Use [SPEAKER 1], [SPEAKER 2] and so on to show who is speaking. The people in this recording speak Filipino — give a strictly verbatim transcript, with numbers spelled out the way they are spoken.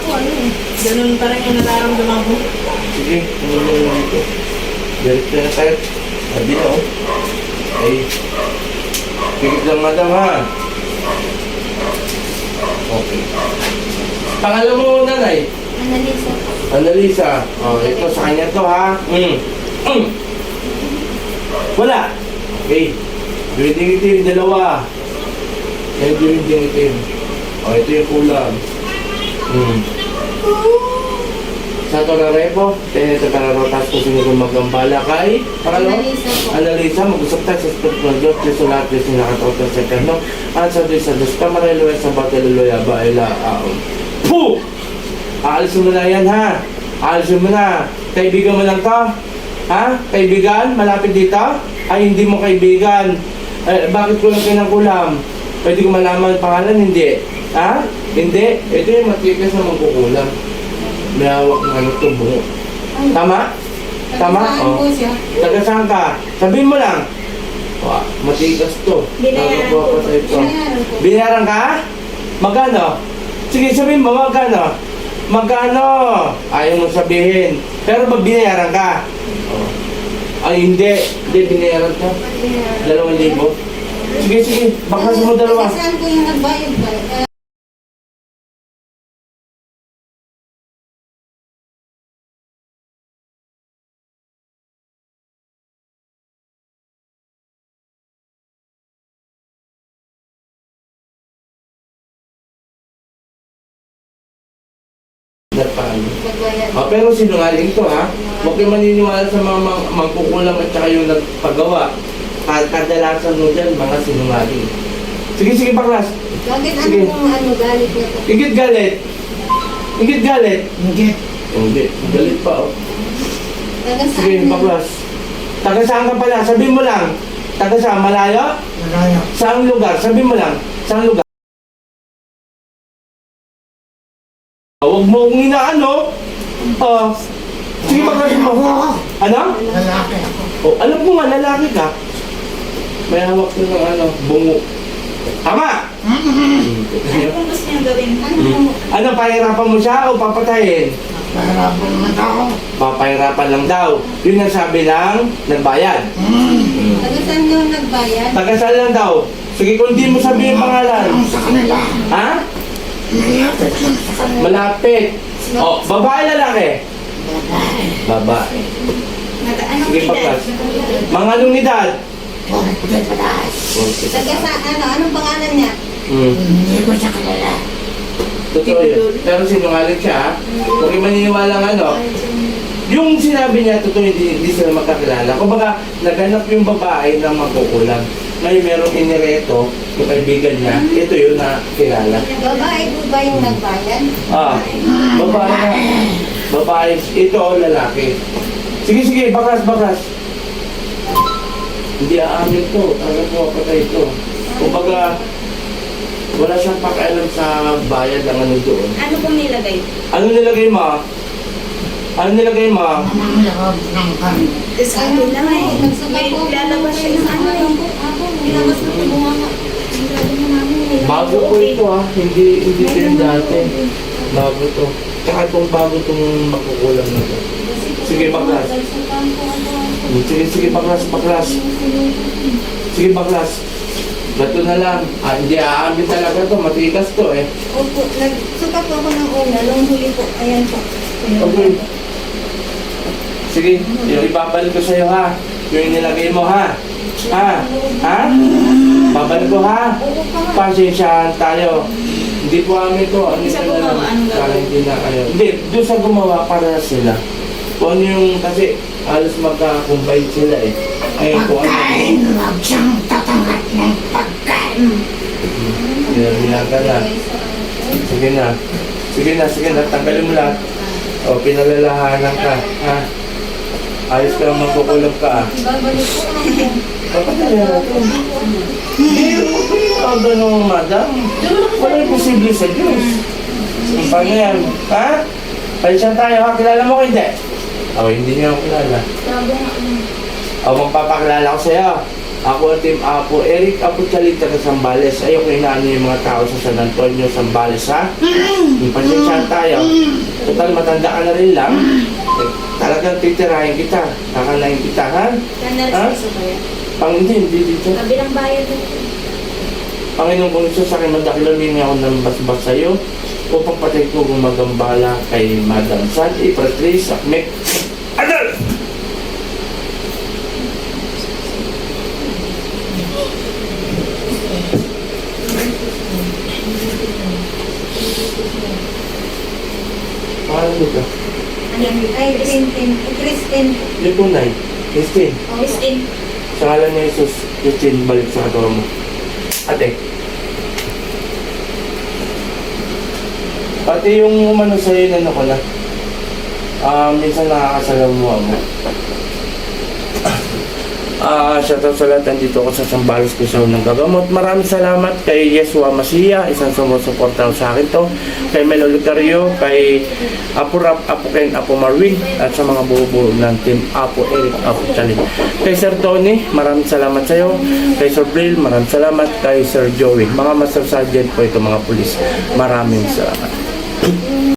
[SPEAKER 1] ako, ano eh. Ganun pa rin yung nararamdaman ko.
[SPEAKER 2] Sige, tumulong mo dito. Diretso na tayo. Sabi na, oh. Ay. Pigit lang, madam, ha? Okay. Pangalan mo, nanay?
[SPEAKER 3] Analisa.
[SPEAKER 2] Annalisa. Oh, ito sa kanya to, ha? Mm. Mm. Wala. Okay. Duwinding itim, dalawa. Yan, duwinding itim. Oh, ito yung kulang. Hmm. Sa ito na repo, tayo ito para rotas kung sino kung magambala kay Pangalawa?
[SPEAKER 3] Analisa po.
[SPEAKER 2] Analisa, mag-usap tayo sa Spirit ng Diyos, Diyos sa lahat, Diyos na nakatawag sa Eterno, at sa Diyos sa Diyos, Kamaraluwa sa Bateluluya, Baila, Aon. Puh! Aalisin mo na yan, ha? Aalisin mo na. Kaibigan mo lang to? Ha? Kaibigan? Malapit dito? Ay, hindi mo kaibigan. Eh, bakit kulang kayo ng kulam? Pwede ko malaman ang pangalan? Hindi. Ha? Hindi. Ito yung matikas na magkukulam. May hawak ng ano ito, bungo. Tama? Tama?
[SPEAKER 3] Saan
[SPEAKER 2] Oh.
[SPEAKER 3] po siya?
[SPEAKER 2] Taga saan ka? Sabihin mo lang. Wah, matikas to.
[SPEAKER 3] Binayaran
[SPEAKER 2] Nagawa
[SPEAKER 3] po.
[SPEAKER 2] ko sa ito.
[SPEAKER 3] Binayaran po.
[SPEAKER 2] Binayaran ka? Magkano? Sige, sabihin mo, magkano? Magkano? Ayaw mo sabihin. Pero ba binayaran ka? Oh. Ay, hindi. Hindi, binayaran ka.
[SPEAKER 3] Binayaran.
[SPEAKER 2] Dalawang libo. Sige, sige. Bakas mo dalawa.
[SPEAKER 3] Kasi saan po yung nagbayad ba? Eh,
[SPEAKER 2] Paano?
[SPEAKER 3] nagbayad.
[SPEAKER 2] Ah, pero sinungaling to, ha? Huwag kayo maniniwala sa mga mang- mangkukulam at saka yung nagpagawa. Kad- Kadalasan mo dyan, mga sinungaling. Sige, sige, baklas.
[SPEAKER 3] Bakit ano
[SPEAKER 2] Sige.
[SPEAKER 3] pong ano galit niya po?
[SPEAKER 2] Ingit galit. Ingit galit.
[SPEAKER 4] Ingit.
[SPEAKER 2] Hindi, galit pa, oh.
[SPEAKER 3] Taga saan
[SPEAKER 2] Sige,
[SPEAKER 3] na-
[SPEAKER 2] baklas. Taga saan ka pala? Sabihin mo lang. Taga saan? Malayo?
[SPEAKER 4] Malaya.
[SPEAKER 2] Saang lugar? Sabihin mo lang. Saang lugar? Huwag mo kong inaano. Ah. Sige, baklas mo. Ano?
[SPEAKER 4] Lalaki ako.
[SPEAKER 2] Oh, alam ko nga, lalaki ka. May hawak ko ng ano, bungo. Tama!
[SPEAKER 1] Ano kung gusto niyang gawin?
[SPEAKER 3] Ano po?
[SPEAKER 2] Ano, pahirapan mo siya o papatayin?
[SPEAKER 4] Mahirapan naman ako.
[SPEAKER 2] Papahirapan lang daw. Yun ang sabi ng nagbayad.
[SPEAKER 4] Hmm.
[SPEAKER 3] Taga saan yung nagbayad?
[SPEAKER 2] Tagasal lang daw. Sige, kung di mo sabihin yung pangalan.
[SPEAKER 4] Ang sa kanila.
[SPEAKER 2] Ha?
[SPEAKER 4] Malapit lang sa kanila.
[SPEAKER 2] Malapit. O, babae lalaki?
[SPEAKER 4] Babae.
[SPEAKER 2] Babae.
[SPEAKER 3] Nag- Anong
[SPEAKER 2] Sige,
[SPEAKER 3] edad?
[SPEAKER 2] pagkas. Mga anong edad?
[SPEAKER 4] Puro puti pataas.
[SPEAKER 3] Taga saan? Ano? Anong pangalan niya?
[SPEAKER 2] Hmm.
[SPEAKER 4] Hindi ko siya kalala.
[SPEAKER 2] Totoo yun. Pero sinungaling siya, ha? Huwag kayo maniniwala ng ano. Yung sinabi niya, totoo hindi, hindi sila magkakilala. Kumbaga, naganap yung babae na magkukulang. Ngayon merong inireto, yung kaibigan niya, ito yun na kilala.
[SPEAKER 3] Babae po ba yung nagbayad?
[SPEAKER 2] Ah, babae na. Babae, ito lalaki. Sige, sige, baklas, baklas. Hindi aamin to, talaga po patay ito. Kumbaga, wala siyang pakialam sa bayad ng ano doon.
[SPEAKER 1] Ano pong nilagay?
[SPEAKER 2] Ano nilagay mo? Ano nilagay mo?
[SPEAKER 4] Anong loob ng kami.
[SPEAKER 1] Is ano na eh.
[SPEAKER 3] Nagsuka
[SPEAKER 1] May
[SPEAKER 3] po.
[SPEAKER 1] lalabas siya ng ano eh.
[SPEAKER 3] Ako, nilabas na po bunganga. Ang grabe na namin. eh.
[SPEAKER 2] Bago po ito ha, hindi hindi ito yung dati. Bago to. Tsaka itong bago itong makukulang na to. Sige, baklas. Sige, sige, baklas, baklas. Sige, baklas. Bato na lang. Ah, hindi aamin talaga to, matikas to eh.
[SPEAKER 3] Opo, nagsuka po ako ng una. Nung huli po, ayan po.
[SPEAKER 2] Okay. Sige, yung ibabalik ko sa'yo ha. Yung nilagay mo ha. Ha? Ha? Babalik ko ha. Pasensyahan tayo. Hindi po amin to. Ano
[SPEAKER 1] Sa
[SPEAKER 2] yun na
[SPEAKER 1] gumawa,
[SPEAKER 2] lang.
[SPEAKER 1] anong gagawin?
[SPEAKER 2] Para hindi na kayo. Hindi, doon sa gumawa para sila. Kung ano yung, kasi halos magka-combine sila eh. Ngayon kung ano.
[SPEAKER 4] Pagkain, huwag siyang tatanggap ng pagkain.
[SPEAKER 2] Hinahilang ka na. Sige na. Sige na, sige na. Tanggalin mo lahat. O, pinalalahanan ka. Ha? Ayos ka lang magkukulog ka.
[SPEAKER 3] Babalik po ako.
[SPEAKER 2] Bakit nangyari ito? Hindi, huwag ko yung mga ganun, madam. Wala yung posible sa Diyos. Ang pangyayari. Ha? Palisyan tayo ha? Kilala mo ko hindi? O, hindi niya ako kilala. O, magpapakilala ko sa'yo. Ako ang Team Apo, Eric Apo Chalita sa Sambales. Ayoko inaano yung mga tao sa San Antonio, Sambales, ha? Pasensyahan tayo. Total, matanda ka na rin lang. Eh, talagang titirahin kita. Kakanain kita, ha?
[SPEAKER 1] Kanal
[SPEAKER 2] Ha?
[SPEAKER 1] sa kaya.
[SPEAKER 2] Pang hindi, hindi dito.
[SPEAKER 1] Kabilang bayan din.
[SPEAKER 2] Panginoon kong Isus, sa akin madakilamin ako ng basbas sa'yo upang patay ko gumagambala kay Madam San, Ipatrice, Akmek. Adal! Paano dito?
[SPEAKER 3] Ay, Christine. Christine.
[SPEAKER 2] Yung tunay. Christine.
[SPEAKER 1] Christine.
[SPEAKER 2] Sa ngalan ni Jesus, Christine, balik sa katawan mo. Ate. Pati yung umano sa'yo na ako na, ah, minsan nakakasalamuha mo. Ah, shoutout sa lahat, nandito ako sa Sambales ko sa unang gagamot. Maraming salamat kay Yeshua Masiya, isang sumusuporta sa akin to. Kay Melo Lucario, kay Apo Rap, Apo Ken, Apo Marwin, at sa mga buo-buo ng team Apo Eric, Apo Chalit. Kay Sir Tony, maraming salamat sa iyo. Kay Sir Bril, maraming salamat. Kay Sir Joey, mga Master Sergeant po ito, mga pulis. Maraming salamat.